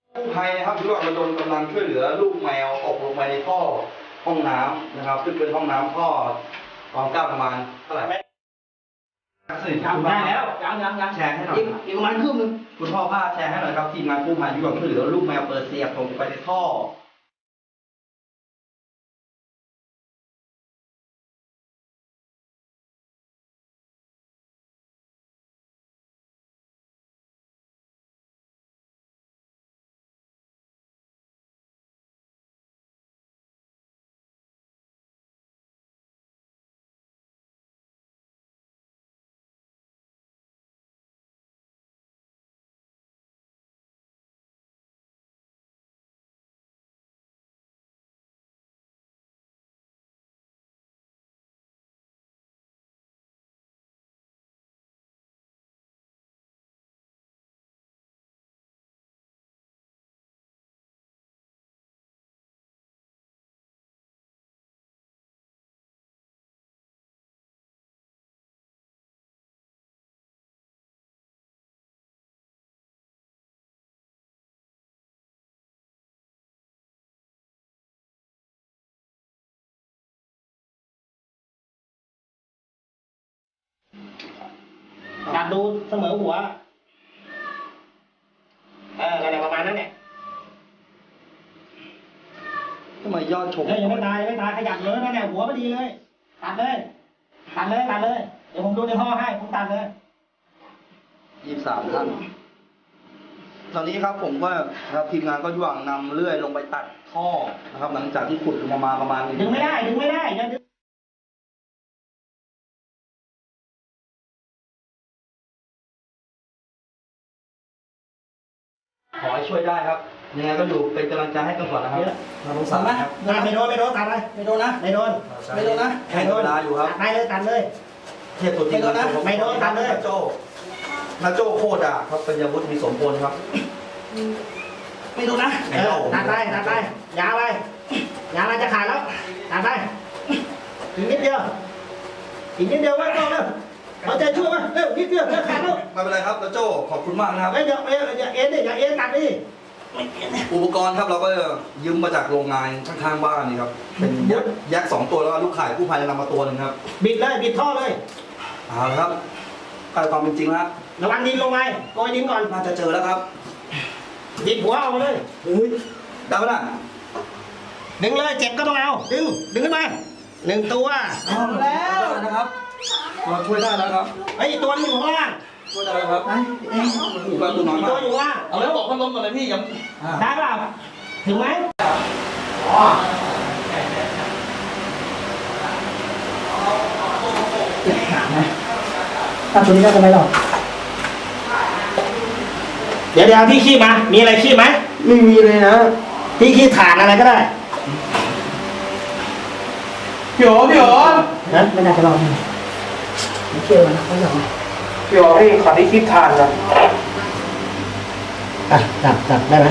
กู้ภัยนะครับที่ว่าระดมกำลังช่วยเหลือลูกแมวตกลงไปในท่อห้องน้ำนะครับซึ่งเป็นห้องน้ำท่อความกว้างประมาณเท่าไหร่สื่อคุณได้แล้วยังแชร์ให้หน่อยอีกประมาณครึ่งนึงคุณพ่อพาแชร์ให้หน่อยครับทีมงานกู้ภัยที่ว่าช่วยเหลือลูกแมวเปอร์เซียตกไปในท่อจับดูเสมอหัวอะไรประมาณนั้นเนี่ยทำไมยอดชมยังไม่ตายขยับเลยนั่นแหละหัวพอดีเลยตัดเลยเดี๋ยวผมดูในท่อให้ผมตัดเลย 23 ท่านตอนนี้ครับผมก็ครับทีมงานก็ย่างนำเลื่อยลงไปตัดท่อนะครับหลังจากที่ขุดลงมาประมาณดึงไม่ได้อย่าดึงขอให้ช่วยได้ครับยังไงก็อยู่เป็นกำลังใจให้กันก่อนนะครับเราต้องสั่งนะครับไม่โดนตัดเลยไม่โดนนะให้เวลาอยู่ครับตัดเลยเทียบตัวจริงนะไม่โดนตัดเลยนาโจ้โคตรอ่ะครับปัญญาวุฒิมีสมบูรณ์ครับไม่โดนนะตัดไปยาวไปจะขาดแล้วตัดไปอีกนิดเดียวไว้ก่อนเลยเอาใจช่วยมั้ยนิดเดียวจะขาดแล้วไม่เป็นไรครับนาโจ้ขอบคุณมากนะครับอย่าเอ็นตัดดิอุปกรณ์ครับเราก็ยืมมาจากโรงงานข้างๆบ้านนี่ครับเป็นยักษ์2 ตัวแล้วก็ลูกข่ายกู้ภัยนำมาตัวนึงครับบิดท่อเลยเอาละครับความเป็นจริงแล้วระวังดินลงไปโกยดินก่อนน่าจะเจอแล้วครับดินหัวเอาเลยได้ไหมล่ะดึงเลยเจ็บก็ต้องเอาดึงขึ้นมา1 ตัวเอาแล้วนะครับเราช่วยได้แล้วครับไอ้ตัวนึงอยู่ข้างล่างช่วยได้แล้วครับอยู่กับตัวน้อยมากตัวอยู่ว่าเอาแล้วบอกพัดลมก่อนเลยพี่ยังได้เปล่าถึงไหมตัวนี้ได้ทำไมหรอเดี๋ยวพี่ขี้มามีอะไรขี้ไหมไม่มีเลยนะพี่ขี้ฐานอะไรก็ได้พี่โอ๋นะไม่น่าจะรอดไม่เชื่อมันเขาหยอกพี่โอ๋พี่ขอที่ขี้ฐานนะจับได้ไหม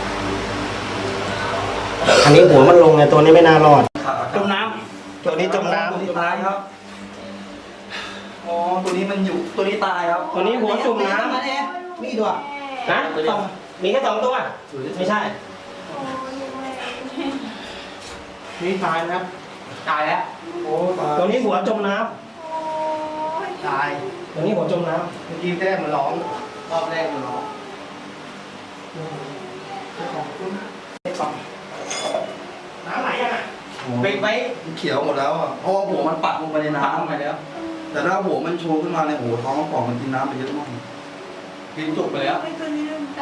อันนี้หัวมันลงไงตัวนี้ไม่น่ารอดจมน้ำตัวนี้จมน้ำตัวนี้ตายครับอ๋อตัวนี้มันอยู่ตัวนี้ตายครับตัวนี้หัวจมน้ำมีตัวนะมีแค่2 ตัวไม่ใช่นี่ตายนะครับตายแล้วโอ้ตัวนี้หัวจมน้ำตายตัวนี้หัวจมน้ำเมื่อกี้แรกมันร้องรอบแรกมันร้องน้ำไหลยังไงเบรกไว้เขียวหมดแล้วอ่ะเพราะว่าหัวมันปักลงไปในน้ำไปแล้วแต่ถ้าหัวมันโชว์ขึ้นมาในหัวท้องป่องมันกินน้ำไปเยอะมากกินจุกไปแล้วตัวนี้ต